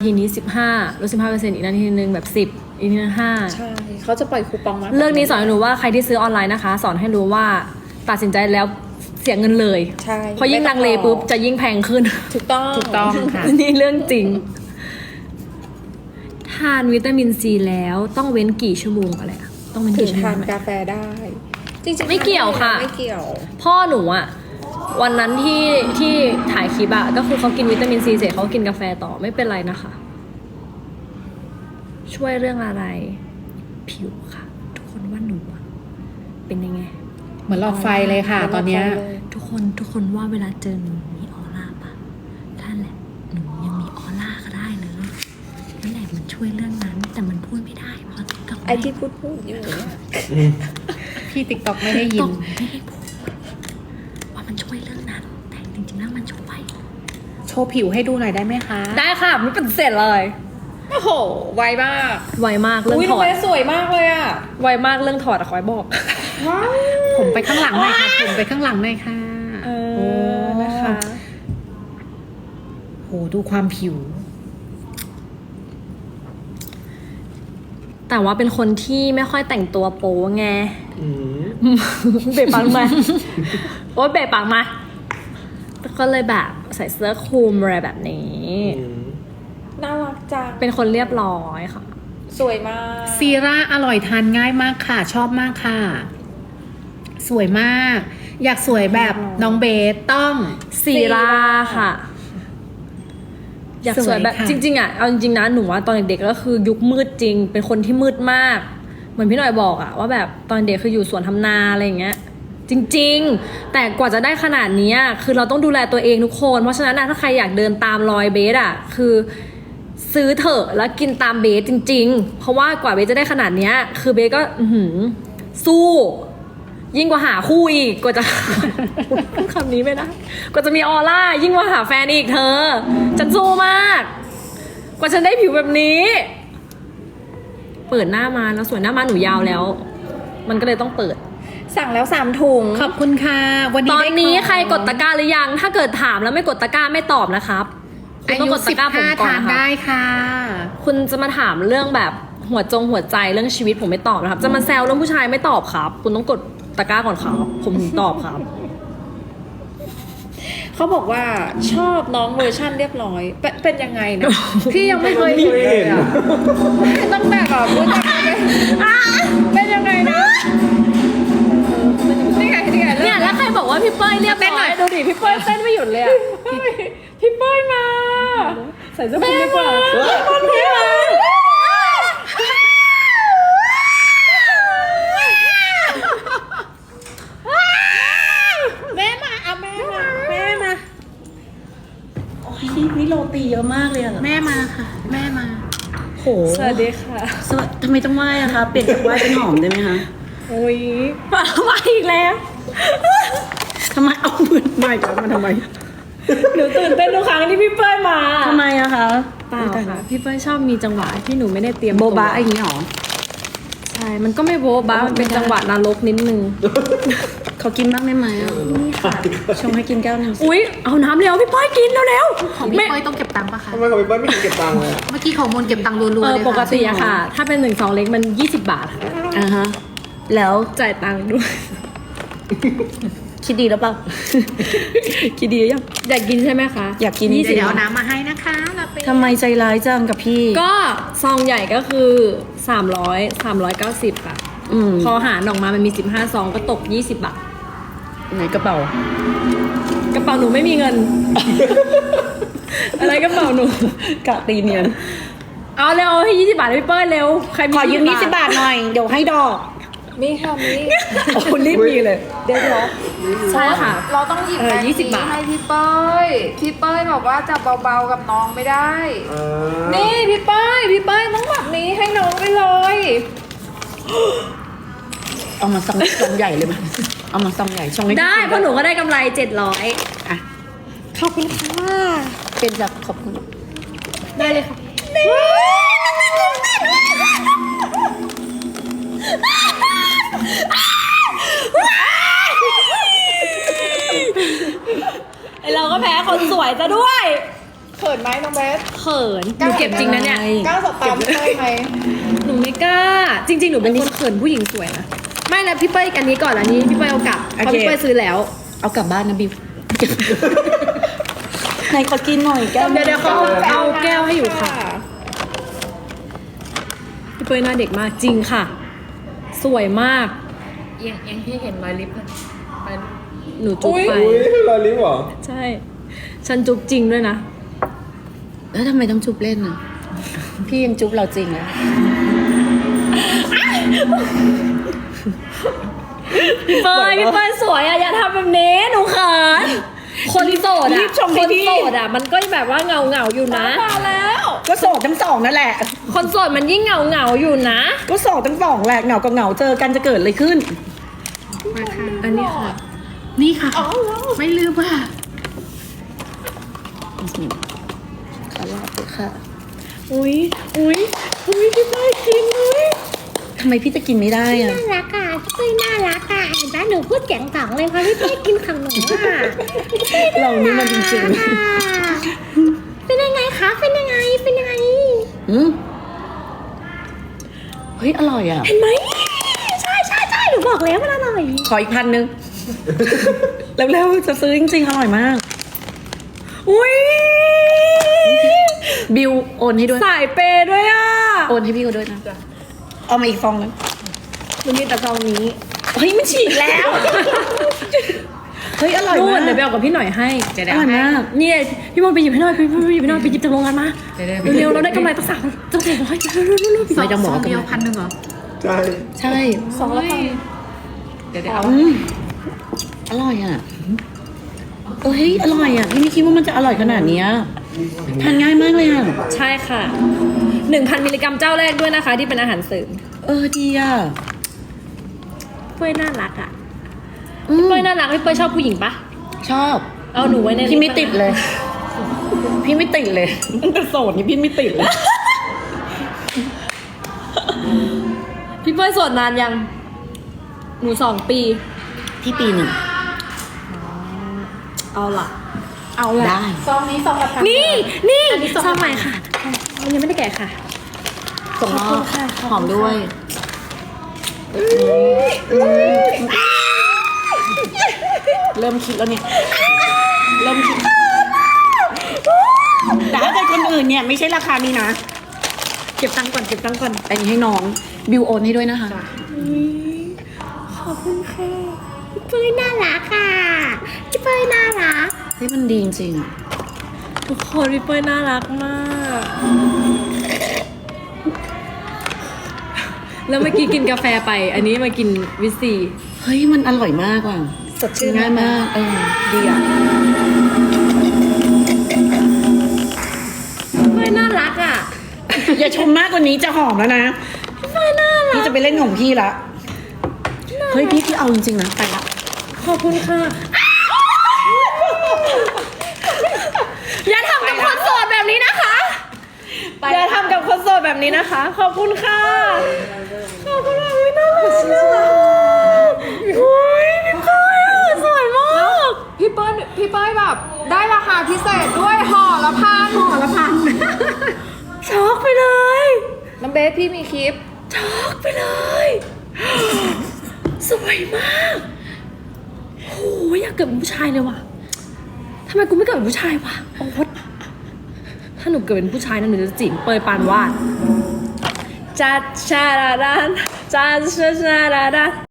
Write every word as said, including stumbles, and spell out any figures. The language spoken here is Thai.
ทีนี้สิบห้าลดสิบห้าเปอร์เซ็นต์อีกนาทีนึงแบบสิบอีกนาทีนึงห้าใช่เขาจะปล่อยคูปองมาเรื่องนี้สอนให้รู้ว่าใครที่ซื้อออนไลน์นะคะ สอนให้รู้ว่าตัดสินใจแล้วเสียเงินเลยใช่เพราะยิ่งลังเลปุ๊บจะยิ่งแพงขึ้นถูกต้องถูกต้องค่ะนี่เรื่องจริงทานวิตามินซีแล้วต้องเว้นกี่ชั่วโมงอะไรอะต้องเว้นถึกี่งชั่วโมทาง นไหมกาแฟได้จริงๆไม่เกี่ยวค่ะไม่เกี่ยวพ่อหนูอะวันนั้นที่ที่ถ่ายคลิปอะก็คือเขากินวิตามินซีเสร็จเขากินกาแฟต่อไม่เป็นไรนะคะ ช่วยเรื่องอะไรผิวค่ะ ทุกคนว่าหนูอะเป็นยังไงเหมือนหลอดไฟเลยค่ะ ตอนเนี้ยทุกคนทุกคนว่าเวลาเจอหนูมีออร่าปะนั่นแหละหนูยังมีออร่าก็ได้เลยนั่นแหละมันช่วยเรื่องนั้นแต่มันพูดไม่ได้เพราะติ๊กต็อกไอที่พูดพูดอยู่เนี่ยพี่ติ๊กต็อกไม่ได้ยินไม่ได้พูดว่ามันช่วยเรื่องนั้นแต่จริงๆแล้วมันช่วยโชว์ผิวให้ดูหน่อยได้ไหมคะได้ค่ะไม่เป็นเสร็จเลยโอ้โหไวมากไวมากเรื่องอุ้ยถทำอไมดสวยมากเลยอ่ะไวมากเรื่องถอดอะคอยบอกว้าวผมไปข้างหลังหน่อยค่ะผมไปข้างหลังหน่อยค่ะเออโอ้นะคะโหดูความผิวแต่ว่าเป็นคนที่ไม่ค่อยแต่งตัวโป๊ไงอืมเบะปังมาโอ๊ยเบะปังมาก็เลยแบบใส่เสื้อคลุมอะไรแบบนี้อืมน่ารักจังเป็นคนเรียบร้อยค่ะสวยมากซีร่าอร่อยทานง่ายมากค่ะ ชอบมากค่ะ สวยมาก อยากสวยแบบน้องเบสต้องซีราค่ะ อยากสวยแบบสวยค่ะจริงๆอ่ะเอาจริงๆนะหนูว่าตอนเด็กๆก็คือยุคมืดจริง เป็นคนที่มืดมาก เหมือนพี่หน่อยบอกอ่ะว่าแบบตอนเด็กคืออยู่สวนทำนาอะไรอย่างเงี้ย จริงๆ แต่กว่าจะได้ขนาดนี้คือเราต้องดูแลตัวเองทุกคนเพราะฉะนั้นถ้าใครอยากเดินตามรอยเบสอ่ะคือซื้อเถอะแล้วกินตามเบสจริงๆ เพราะว่ากว่าเบสจะได้ขนาดเนี้ยคือเบสก็อื้อหือสู้ ยิ่งกว่าหาคู่อีกกว่าจะ คำนี้ไม่ได้กว่าจะมีออร่ายิ่งกว่าหาแฟนอีกเธอฉันสู้มาก กว่าฉันได้ผิวแบบนี้ เปิดหน้ามาแล้วส่วนหน้ามาหนูยาวแล้ว มันก็เลยต้องเปิดสั่งแล้วสามถุงขอบคุณค่ะ วันนี้ตอนได้นี้ของใครกดตะกร้าหรือยัง ถ้าเกิดถามแล้วไม่กดตะกร้าไม่ตอบนะครับคุณอาต้องยุกดตะสิบกร้าผมห้าก่อนทานนะคะได้ค่ะคุณจะมาถามเรื่องแบบหัวจงหัวใจเรื่องชีวิตผมไม่ตอบนะครับ จะมาแซวเรื่องผู้ชายไม่ตอบครับ คุณต้องกดตะกร้าก่อนครับผมถึงตอบครับเขาบอกว่าชอบน้องเวอร์ชั่นเรียบร้อย เป็นเป็นยังไงนะ พี่ยังไม่เคยไม่เห็นเห็นเลยอะต้องแบบแบบรู้จักไหมเป็นยังไงนะนี่ไงนี่ไงเนี่ยแล้วใครบอกว่าพี่เป้ยเรียบร้อยดูดิพี่เป้ยเต้นไม่หยุดเลยอะพี่เป้ยมา ใส่เสื้อคลุมดีกว่าคนพี่มาแม่มาเอาแม่มาแม่มาโอ้ยนี่โรตีเยอะมากเลยอะแม่มาค่ะ แม่มาโหสวัสดีค่ะสวัสทำไมต้องไหว้อะคะเปลี่ยนจากไหว้เป็นหอมได้ไหมคะโอ้ยมาอีกแล้วทำไมเอามือใหม่กลับมาทำไมหนูตื่นเต้นทุกครั้งที่พี่เป้ยมาทำไมอะคะเปล่าค่ะพี่เป้ยชอบมีจังหวะที่หนูไม่ได้เตรียมโบตัวบะอย่างนี้หรอใช่มันก็ไม่โบ๊ะบ้ามันเป็นจังหวะนรกนิดนึงเขากินบ้างได้ไหมอะชงให้กินแก้วหนึงสิอุ๊ยเอาน้ำเร็วพี่เป้ยกินเร็วของๆพี่ไม่เป้ยต้องเก็บตังค์ปะคะทำไมกับพี่เป้ยไม่เห็นเก็บตังค์เลยอะเมื่อกี้ของมนเก็บตังค์รัวๆเอเลอยค่ะปกติอะค่ะ ถ้าเป็นหนึ่งสองเล็กมันยี่สิบบาทค่ะอ่าฮะ แล้วจ่ายตังค์ด้วยคิดดีแล้วเปล่าคิดดียังอยากกินใช่ไหมคะอยากกินยี่สิบเดี๋ยวเอาน้ำมาให้นะคะเราไปทำไมใจร้ายจังกับพี่ก็ซองใหญ่ก็คือสามร้อย สามร้อยเก้าสิบค่ะอืมพอหารออกมามันมีสิบห้าซองก็ตกยี่สิบบาทไหนกระเป๋ากระเป๋าหนูไม่มีเงิน อะไรกระเป๋าหนูกะตีเนียนเอาเร็วให้ยี่สิบบาทให้พี่เปิ้ลเร็วใครมีขอยืมยี่สิบบาทหน่อย เดี๋ยวให้ดอกมีค่ะมีโอ้รีบมีเลยเดี๋ยวเดี๋ยวใช่ค่ะเราต้องหยิบเออแบงค์ยี่สิบบาทให้พี่เป้ยพี่เป้ยบอกว่าจะเบาๆกับน้องไม่ได้อ่านี่พี่เป้ยพี่เป้ยต้องแบบนี้ให้น้องไปเลยเอามาซองซองใหญ่เลยมั้ยเอามาซองใหญ่ชงให้พี่ได้กินเพราะหนูก็ได้กำไรเจ็ดร้อยอ่ะขอบคุณค่ะเป็นแบบขอบคุณได้เลยค่ะไอเราก็แพ้คนสวยซะด้วยเขินไหมน้องเบสเขินหนูเก็บจริงนะเนี่ยกล้าสบตาพี่เป้ยไหมหนูไม่กล้า จริง ๆ หนูเป็นคนเขินผู้หญิงสวยนะ ไม่แล้วพี่เป้ยอันนี้ก่อนอันนี้พี่เป้ยเอากลับเพราะพี่เป้ยซื้อแล้วเอากลับบ้านนะบิว ไหนขอกินหน่อยแก้วเดี๋ยวเดี๋ยวเขาเอาแก้วให้อยู่ค่ะ พี่เป้ยหน้าเด็กมากจริงค่ะ สวยมากยังยังที่เห็นรอยลิปเลยหนูจุ๊บไปอุ้ยรอยลิ้นเหรอใช่ ฉันจุ๊บจริงด้วยนะแล้วทำไมต้องจุบเล่นอ่ะ พี่ยังจุบเราจริงอ่ะพี่เป้ยพี่เป้ยสวยอ่ะอย่าทำแบบนี้หนูเขินคนโสดรีอ่ะบชมคดินพี่โสดอ่ะมันก็แบบว่าเงาเงาๆอยู่นะมาแล้วก็โสดทั้งสองนั่นแหละคนโสดมันยิ่งเงาเงาๆอยู่นะก็โสดทั้งสองแหละเหงากับเหงาเจอกันจะเกิดอะไรขึ้นมาค่ะอันนี้ค่ะนี่ค่ะ ไม่ลืมค่ะขอลาไปค่ะอุ้ยอุ้ยอุ้ยพี่เป้ยกินเลยทำไมพี่จะกินไม่ได้อ่ะน่ารักอ่ะพี่เป้ยน่ารักอ่ะเห็นปะหนูพูดเสียงสองเลยเพราะพี่เป้ยกินของหนูอ่ะเรานี่มันจริงอ่ะเป็นยังไงคะเป็นยังไงเป็นยังไงๆอืมเฮ้ย อร่อยอ่ะเห็นไหมใช่ใช่ใช่หนูบอกแล้วมันอร่อยขออีกพันหนึ่ง เร็วๆจะซื้อจริงๆ อร่อยมากอุ้ยบิวโอนให้ด้วยสายเปย์ด้วยอ่ะโอนให้พี่เขาด้วยนะ เอามาอีกฟองนึงมันมีแต่ซองนี้เฮ้ย มันฉีกแล้ว เฮ้ย อร่อยนู่มาน กเดี๋ยวไปเอากับพี่หน่อยให้จะอได้ร่อยมากเนี่ยพี่มนต์ไปหยิบให้หน่อยพี่มนต์ไปหยิบให้หน่อยไปหยิบจากโรงงานมาเดี๋ยวๆเร็วๆเราได้กำไรตั้งสามตั้งสี่ร้อยเร็วๆเร็วๆไม่ต้องบอกซว่าเดียวพันหนึ่งเหรอใช่ใช่สองละพันเดี๋ยวเดี๋ยวเอาอืมอร่อยอ่ะเอ้ย อร่อยอ่ะ พี่ไม่คิดว่ามันจะอร่อยขนาดเนี้ยทานง่ายมากเลยอ่ะใช่ค่ะหนึ่งพันมิลลิกรัมเจ้าแรกด้วยนะคะ ที่เป็นอาหารเสริมเออ ดีอ่ะเป้ยน่ารักอ่ะอืมเป้ยน่ารักพี่เป้ยชอบผู้หญิงปะชอบเอาหนูไว้ในพี่ไม่ติดเลย พี่ไม่ติดเลยตั้งแต่โสดนี่พี่ไม่ติดเลยพี่เป้ยโสดนานยัง หนูสองปีพี่ปีหนึ่งเอาล่ะเอาได้ซองนี้ซองละพันนี่นี่ซองใหม่ค่ะมันยังไม่ได้แกะค่ะส่งมอบหอมด้วย เริ่มคิดแล้วเนี่ย เริ่มคิดแต่ถ้าเป็นคนอื่นเนี่ยไม่ใช่ราคานี้นะเก็บตังค์ก่อนเก็บตังค์ก่อนอันนี้ให้น้อง บิวโอนให้ด้วยนะคะขอบคุณค่ะพี่เป้ยน่ารักอ่ะพี่เป้ยน่ารักเฮ้ยมันดีจริงๆอะทุกคนพี่เป้ยน่ารักมาก แล้วเมื่อกี้กินกาแฟไป อันนี้มากินวิสซีเฮ้ยมันอร่อยมากว่ะสดชื่นง่ายมาก เออ ดีอ่ะเป้ยน่ารักอ่ะอย่าชมมากกว่านี้จะหอมแล้วนะ พี่จะไปเล่นของพี่ละ เฮ้ยพี่พี่เอาจริงๆนะ ไปละขอบคุณค่ะ อย่าทำกับคนโสดแบบนี้นะคะ อย่าทำกับคนโสดแบบนี้นะคะ ขอบคุณค่ะ ขอบคุณค่ะอุ๊ยน่ารักน่ารักอุ้ยพี่เป้ยอะสวยมากพี่เป้ยพี่เป้ยแบบได้ราคาพิเศษด้วยห่อละพันห่อละพันช็อกไปเลยน้องเบสพี่มีคลิปช็อกไปเลย สวยมากโหอยากเกิดเป็นผู้ชายเลยว่ะทำไมกูไม่เกิดเป็นผู้ชายวะโอ๊ตถ้าหนูเกิดเป็นผู้ชายนะหนูจะจีบเปยปานวาดจัดชาดาดานจัดชาดาดาน